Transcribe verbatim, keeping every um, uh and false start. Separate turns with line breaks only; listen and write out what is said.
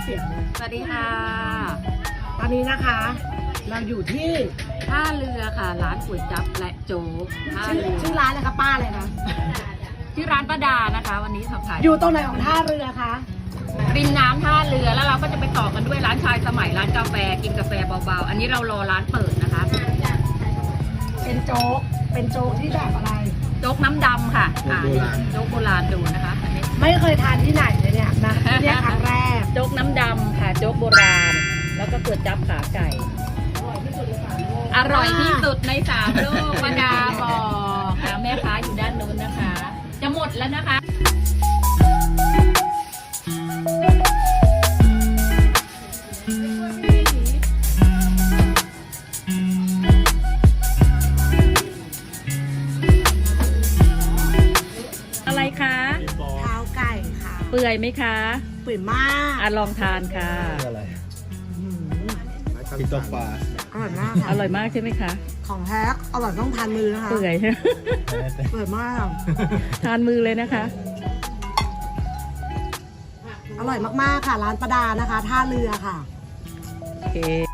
เสียงเลย
สวัสดีค่ะ
ตอนนี้นะคะ เราอยู่ที่
ท่าเรือค่ะ ร้านก๋วยจั๊บและโจ๊กท่า
ชื่อ
เรือ
ชื่อร้านอะไรคะป้าเลยคะ
ที่ร้านป้าดานะคะ วันนี้ทำขาย
อยู่ตรงไหนของท่าเรือคะ
ริมน้ำท่าเรือแล้วเราก็จะไปต่อกันด้วยร้านชายสมัยร้านกาแฟกินกาแฟเบาๆ อันนี้เรารอร้านเปิดนะคะ
เป็นโจ๊กเป็นโจ๊กที่แบบอะไร
โจ๊กน้ำดำค่ะอ่าโจ๊กโบราณดูนะคะอันนี้
ไม่เคยทานที่ไหนเลยเนี่ยนะที่เนี่ยครั้งแรก
โจ๊กน้ำดำค่ะโจ๊กโบราณ แล้วก็ก๋วยจั๊บขาไก่ อร่อยที่สุดในสามโลกป้าดาบอกอ่าแม่ค้าอยู่ด้านนู้นนะคะ จะหมดแล้วนะคะ อะไรคะ
เท้าไก่ค่ะ
เปื่อยไหมคะ
เปื่อยมาก
อ่ะลองทานค่ะ
อะไร
อื้อหือ
ติดตัวปลา
อร่อยมาก
อ
ค่ะ
ร่อยมากใช่ไหมคะ
ของแท้อร่อยต้องทานมือนะคะ
เปื่อย
เปื่อยมาก
ทานมือเลยนะคะ
อร่อยมากๆค่ะ ร้านประดานะคะ ท่าเรือค่ะ
โอเค